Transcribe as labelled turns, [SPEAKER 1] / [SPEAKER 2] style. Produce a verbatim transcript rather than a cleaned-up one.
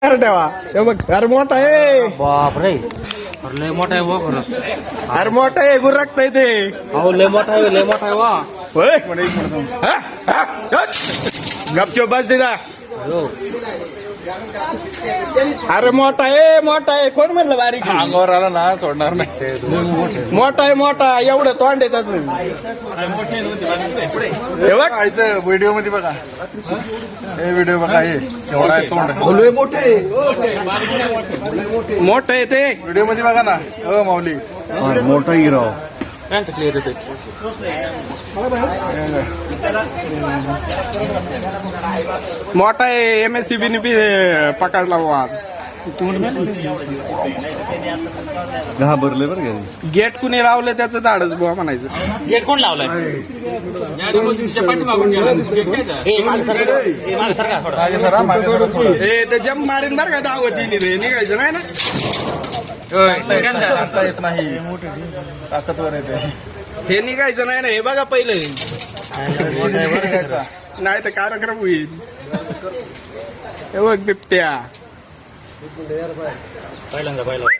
[SPEAKER 1] कर ठेवा हे बघ अरे मोठा आहे
[SPEAKER 2] बाप रे अरे लय मोठा आहे वा खरंच
[SPEAKER 1] अरे मोठा आहे गुरकता ते
[SPEAKER 2] अहो लय मोठा आहे लय मोठा आहे वा
[SPEAKER 1] होय हा? हा? हट. गपचूप बस दिदा
[SPEAKER 2] हो
[SPEAKER 1] अरे मोठा आहे मोठा आहे कोण म्हणलं बारीक आहे?
[SPEAKER 3] अंगावर आला ना सोडणार नाही.
[SPEAKER 1] मोठा आहे मोठा एवढं तोंड आहे त्याच हे बघ
[SPEAKER 3] इथं व्हिडिओ मध्ये बघा हे व्हिडिओ बघा हे एवढा आहे तोंड
[SPEAKER 1] मोठं आहे ते
[SPEAKER 3] व्हिडिओ मध्ये बघा ना हो माऊली
[SPEAKER 1] मोठा हिराव
[SPEAKER 2] त्यांचं क्लिअर येते
[SPEAKER 1] मोठा आहे M S C B B पकडला बुवा आज
[SPEAKER 3] घाबरले बरं का
[SPEAKER 1] गेट कुणी लावलं त्याचं धाडच बुवा म्हणायचं
[SPEAKER 2] गेट कोण लावलाय पाठीमागून
[SPEAKER 3] मागे सरा मागे सरा थोडं.
[SPEAKER 1] ए ते जम मारीन बरं का दावतीने रे निघायचं नाही ना
[SPEAKER 3] सांगता येत नाही ताकदवर येते
[SPEAKER 1] हे निघायचं नाही ना हे बघा पहिले
[SPEAKER 3] निघायचा.
[SPEAKER 1] नाही तर कार्यक्रम होईल हे बघ बिबट्या
[SPEAKER 2] पहिल्यांदा पहिला